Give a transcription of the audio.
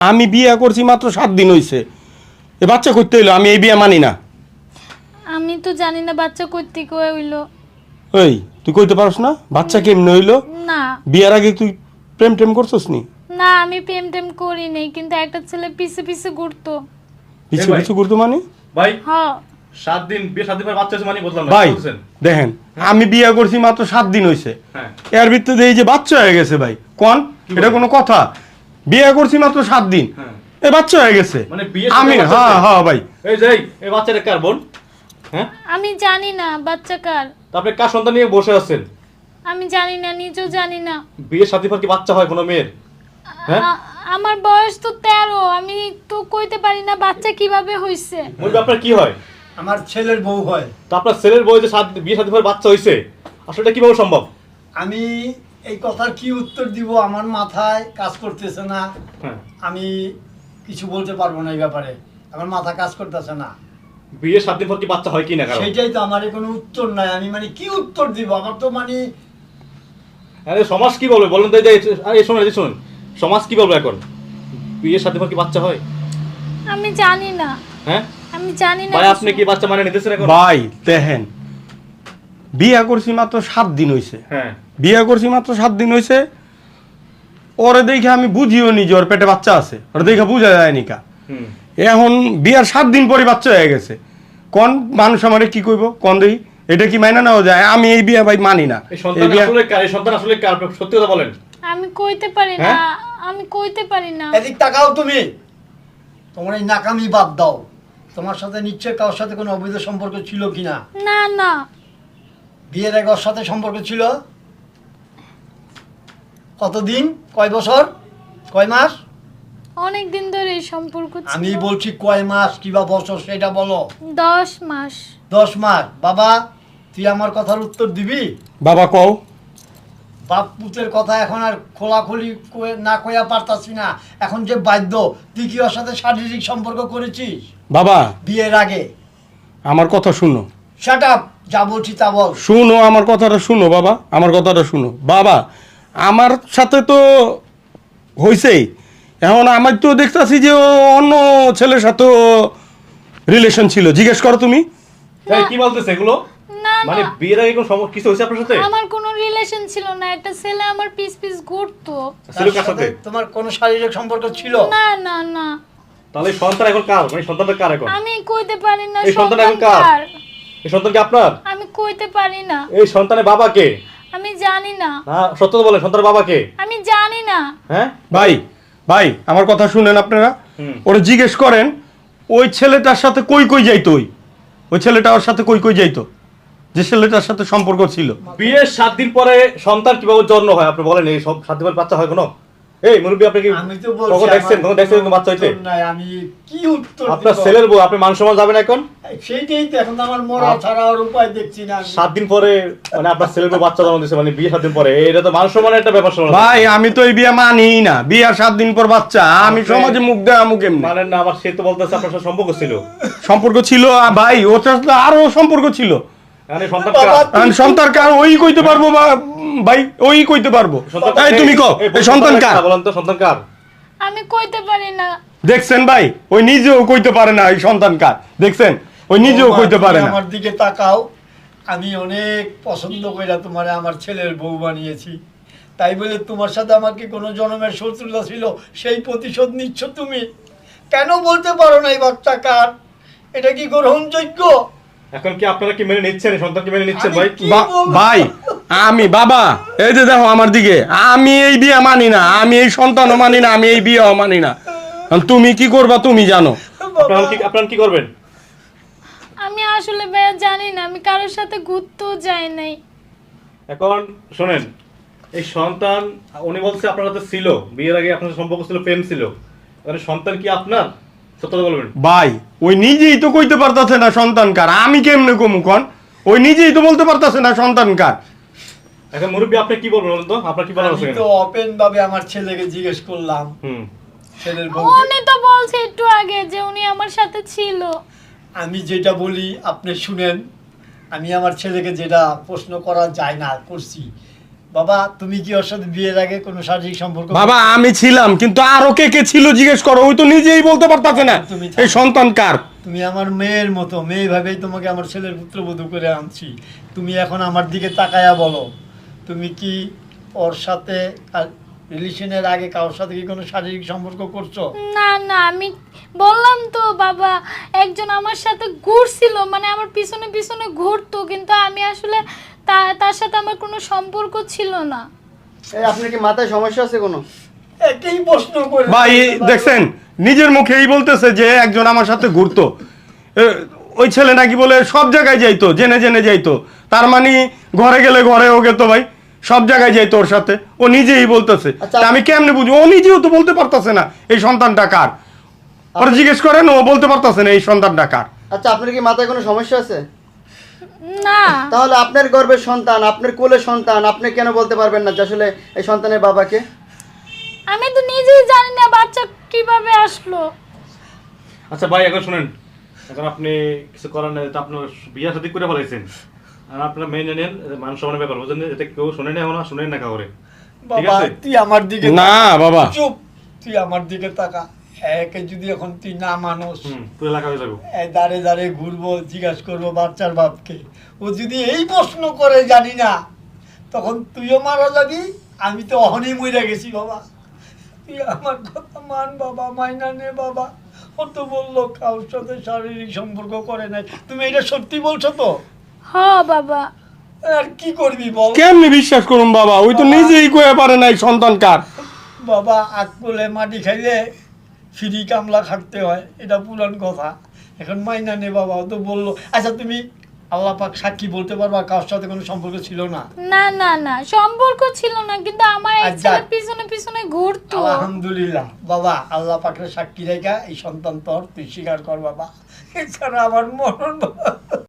আমি বিয়ে করছি মাত্র 7 দিন হইছে, এ বাচ্চা করতে হইলো, আমি এই বিয়ে মানি না। আমি তো জানি না বাচ্চা করতে কই হইলো। ওই তুই কইতে পারছ না বাচ্চা কেমনে হইলো? না বিয়ের আগে তুই প্রেম টেম করছস নি? না, আমি প্রেম টেম করি নাই, কিন্তু একটা ছেলে পিছে পিছে ঘুরতো। পিছু ভাই। পিছু করতো মানে? ভাই হ্যাঁ 7 দিন বিয়ে 7 দিন পর বাচ্চা হয়েছে মানে বললাম না ভাই কি বলছেন? দেখেন, আমি বিয়ে করছি মাত্র 7 দিন হইছে, হ্যাঁ এর ভিতরে এই যে বাচ্চা হয়ে গেছে ভাই, কোন এটা কোনো কথা? বিয়ে করছি মাত্র 7 দিন, হ্যাঁ এ বাচ্চা হয়ে গেছে। মানে বিয়ে আমি হ্যাঁ হ্যাঁ ভাই। এই যে এই বাচ্চাটা কার বোন? হ্যাঁ আমি জানি না বাচ্চা কার, তো আপনি কার সন্তান নিয়ে বসে আছেন? আমি জানি না, নিজেও জানি না। বিয়ে 7 দিন পর কি বাচ্চা হয় কোনো মেয়ের? হ্যাঁ আমার বয়স তো 13, আমি তো কইতে পারি না বাচ্চা কিভাবে হইছে। মুরবি আপনার কি হয়? আমার ছেলের বউ হয়। তো আপনার ছেলের বউ যে বিয়ে 7 দিন পর বাচ্চা হইছে, আসলে এটা কিভাবে সম্ভব? আমি এই কথার কি উত্তর দিব আমার মাথায় কাজ করতেছে না। হ্যাঁ আমি কিছু বলতে পারবো না এই ব্যাপারে, আমার মাথা কাজ করতেছে না। বিয়ে 7 দিন পর কি বাচ্চা হয় কি না কারণ? সেইটাই তো আমার কোনো উত্তর নাই, আমি মানে কি উত্তর দিব? আমার তো মানে আরে সমাজ কি বলবে বলেন তো? এই যে আরে শুনুন এই শুনুন, সমাজ কি বলবে এখন? বিয়ে 7 দিন পর কি বাচ্চা হয়? আমি জানি না, হ্যাঁ আমি জানি না ভাই কিছু। আপনি কি বাচ্চা মানে নিতেছেন এখন? ভাই দেখেন, বিয়ে করছি মাত্র 7 দিন হইছে, হ্যাঁ বিয়ে করছি মাত্র 7 দিন হইছে, ওরে দেখে আমি বুঝিও নি যে ওর পেটে বাচ্চা আছে, ওরে দেখে বুঝা যায়নি কা। হুম এখন বিয়ার 7 দিন পরে বাচ্চা হয়ে গেছে, কোন মানুষ আমারে কি কইব? কোন দেই এটা কি মাইনা নেওয়া যায়? আমি এই বিয়ে ভাই মানি না। এই সন্তান আসলে কার? এই সন্তান আসলে কার? আপনি সত্যি কথা বলেন। আমি কইতে পারি না, হ্যাঁ? আমি কইতে পারি না। এদিক তাকাও তুমি, তোমার এই নাকামি বাদ দাও। তোমার সাথে নিশ্চয় কারোর সাথে কোনো অবৈধ সম্পর্ক ছিল কিনা? না না, বিয়ের আগে ওর সাথে সম্পর্ক ছিল? কতদিন, কয় বছর, কয় মাস? অনেক দিন ধরে এই সম্পর্ক ছিল। আমি বলছি কয় মাস কিবা বছর সেটা বলো। 10 মাস। 10 মাস। বাবা তুই আমার কথার উত্তর দিবি? বাবা কও। বাপ পুতের কথা এখন আর খোলাখুলি না কইয়া পারতাছি না, এখন যে বাধ্য। তুই কি ওর সাথে শারীরিক সম্পর্ক করেছিস বাবা বিয়ের আগে? আমার কথা শুনো, শাট আপ, যা বলছি তা বল। শুনো আমার কথাটা শুনো বাবা, আমার কথাটা শুনো বাবা। আমার সাথে তো হইছেই, এখন আমার তো দেখতাছি যে ও অন্য ছেলের সাথে রিলেশন ছিল। জিজ্ঞেস করো তুমি। এই কি বলতেছে এগুলো? না মানে না, বিয়ের আগে কোনো কিছু হয়েছে আপনার সাথে? আমার কোনো রিলেশন ছিল না, একটা ছেলে আমার পিস পিস ঘুরতো। ছিল কার সাথে? তোমার কোনো শারীরিক সম্পর্ক ছিল? না না না, তাহলে এই সন্তান এখন কার? মানে সন্তানটা কার এখন? আমি কইতে পারি না এই সন্তান সন্তান এখন কার? কার। এই সন্তান কি আপনার? আমি কইতে পারি না, এই সন্তানের বাবা কে? আমি জানি না, না সত্য তো বলেন, সন্তানের বাবা কে? আমি জানি না। হ্যাঁ ভাই ভাই আমার কথা শুনেন আপনারা, হুম। ওরা জিজ্ঞেস করেন ওই ছেলেটার সাথে কই কই যাইতো, ওই ছেলেটা ওর সাথে কই কই যাইতো, যে ছেলেটার সাথে সম্পর্ক ছিল। বিয়ের 7 দিন পরে সন্তান কিভাবে জন্ম হয় আপনি বলেন? এই সব 7 দিন পরে বাচ্চা হয় কোনো? এই মুরব্বী আপনি কি আমি তো বলছি কখন দেখছেন? আমার কখন দেখছেন কোনো বাচ্চা হইতে? উত্তর নাই, আমি কি উত্তর আপনার দিব? ছেলের বউ, আপনি মান সম্মান যাবেন এখন? সেইটাই তো এখন আমার মরা ছাড়া আর উপায় দেখছি না আমি। 7 দিন পরে মানে আপনার ছেলের বউ বাচ্চা জন্ম দিয়েছে, মানে বিয়ে 7 দিন পরে, এটা তো মান সম্মানের একটা ব্যাপার শুনলাম। ভাই আমি তো এই বিয়ে মানি না, বিয়ার 7 দিন পর বাচ্চা, আমি সমাজে মুখ দেওয়া মুখ এমনি মানে না, আবার সে তো বলতেছে আপনার সাথে সম্পর্ক ছিল। সম্পর্ক ছিল। ভাই ওর সাথে আরো সম্পর্ক ছিল। মানে সন্তান বাবা, কার? আর সন্তান কার ওই কইতে পারবো ভাই, ওই কইতে পারবো। সন্তান তাই তুমি কও এই সন্তান কার? বলেন তো সন্তান কার? আমি কইতে পারি না। দেখছেন ভাই, ওই নিজেও কইতে পারে না এই সন্তান কার। দেখছেন ওই নিজেও বৌমা, কইতে তুমি পারে না। আমার দিকে তাকাও, আমি অনেক পছন্দ কইরা তোমারে আমার ছেলের বউ বানিয়েছি, তাই বলে তোমার সাথে আমার কি কোনো জন্মের শত্রুতা ছিল? সেই প্রতিশোধ নিচ্ছ তুমি? কেন বলতে পারো না এই বাচ্চা কার? এটা কি গ্রহণযোগ্য? এখন কি আপনারা কি মেনে নিচ্ছেন? এই সন্তান কি মেনে নিচ্ছেন ভাই? কি বলবো? ভাই আমি বাবা, এই যে দেখো আমার দিকে, আমি এই বিয়ে মানি না, আমি এই সন্তানও মানি না, আমি এই বিয়েও মানি না। এখন তুমি কি করবা তুমি জানো। আপনারা কি করবেন? আমি আসলে ভাইয়া জানি না, আমি কারোর সাথে ঘুরতেও যাই নাই। এখন শোনেন, এই সন্তান উনি বলছে আপনার সাথে ছিল, বিয়ের আগে আপনার সাথে সম্পর্ক ছিল, প্রেম ছিল, মানে সন্তান কি আপনার? সত্যি বলবেন। ভাই ওই নিজেই তো কইতে পারতাছে না সন্তান কার, আমি কেমনে কমু কন? ওই নিজেই তো বলতে পারতাছে না সন্তান কার। এখন মুরব্বী আপনি কি বলবেন বলুন তো? আপনার কি বলার আছে? আমি তো ওপেন ভাবে আমার ছেলেকে জিজ্ঞেস করলাম, হুম ছেলের বউ। উনি তো বলছে একটু আগে যে উনি আমার সাথে ছিল। আমি যেটা বলি আপনি শুনেন, আমি আমার ছেলেকে যেটা প্রশ্ন করা যায় না করছি, বাবা তুমি কি ওর সাথে বিয়ের আগে কোনো শারীরিক সম্পর্ক বাবা আমি ছিলাম, কিন্তু আরো কে কে ছিল জিজ্ঞেস করো, ওই তো নিজেই বলতে পারতাছে না তুমি এই সন্তান কার। তুমি আমার মেয়ের মতো, মেয়ে ভাবেই তোমাকে আমার ছেলের পুত্রবধূ করে আনছি। তুমি এখন আমার দিকে তাকায়া বলো, তুমি কি ওর সাথে রিলেশনের আগে কারোর সাথে কি কোনো শারীরিক সম্পর্ক করছো? না না, আমি বললাম তো বাবা, একজন আমার সাথে ঘুরছিল, মানে আমার পিছনে পিছনে ঘুরতো, কিন্তু আমি আসলে তার সাথে আমার কোনো সম্পর্ক ছিল না। এই আপনার কি মাথায় সমস্যা আছে কোনো? একই প্রশ্ন করে ভাই দেখছেন নিজের মুখেই বলতেছে যে একজন আমার সাথে ঘুরতো, ওই ছেলে নাকি বলে সব জায়গায় যাইতো, জেনে জেনে যাইতো, তার মানে ঘরে গেলে ঘরে ও গেতো ভাই, সব জায়গায় যাইতো ওর সাথে, ও নিজেই বলতেছে। আচ্ছা। তা আমি কেমনে বুঝবো? ও নিজেও তো বলতে পারতাছে না এই সন্তানটা কার। ওরা জিজ্ঞেস করেন, ও বলতে পারতাছে না এই সন্তানটা কার। আচ্ছা আপনার কি মাথায় কোনো সমস্যা আছে? না তাহলে আপনার গর্ভের সন্তান, আপনার কোলের সন্তান, আপনি কেন বলতে পারবেন না যে আসলে এই সন্তানের বাবাকে? আমি তো নিজেই জানি না বাচ্চা কিভাবে আসলো। আচ্ছা ভাই এখন শুনেন, এখন আপনি কিছু করার নেই, তো আপনার বিয়া শাদী করে ফেলাইছেন, আর আপনারা মেনে নেন মান সম্মানের ব্যাপার, বুঝলেন? এটা কেউ শোনেন এখন, শুনেন না কাউরে, ঠিক বাবা আছে? তুই আমার দিকে না বাবা, চুপ, তুই আমার দিকে তাকা। একে যদি এখন তুই না মানুষ, তুই এলাকা হয়ে যাবো। এই দাঁড়ে দাঁড়ে ঘুরবো, জিজ্ঞাসা করবো বাচ্চার বাপকে, ও যদি এই প্রশ্ন করে জানি না, তখন তুইও মারা যাবি, আমি তো অহনই মরে গেছি। বাবা তুই আমার কথা মান বাবা, মাইনা নে বাবা। ও তো বললো কারোর সাথে শারীরিক সম্পর্ক করে নাই, তুমি এটা সত্যি বলছো তো? হ বাবা। আর কি করবি বল কেমনে বিশ্বাস করুন বাবা, ওই তো নিজেই কয়ে পারে না এই সন্তান কার। বাবা, আকলে মাটি খাইলে ফ্রি কামলা খাটতে হয়, এটা পুরান কথা। এখন মাইনা নে বাবা, ও তো বললো। আচ্ছা তুমি আল্লাহ পাক সাক্ষী বলতে পারবা কারোর সাথে কোনো সম্পর্ক ছিল না? না না না, সম্পর্ক ছিল না, কিন্তু আমার এক আচ্ছা। ছেলে পিছনে পিছনে ঘুরতো। আলহামদুলিল্লাহ বাবা, আল্লাহ পাকের সাক্ষী রেখা এই সন্তান তোর, তুই স্বীকার কর বাবা, এছাড়া আমার মরণ বাবা।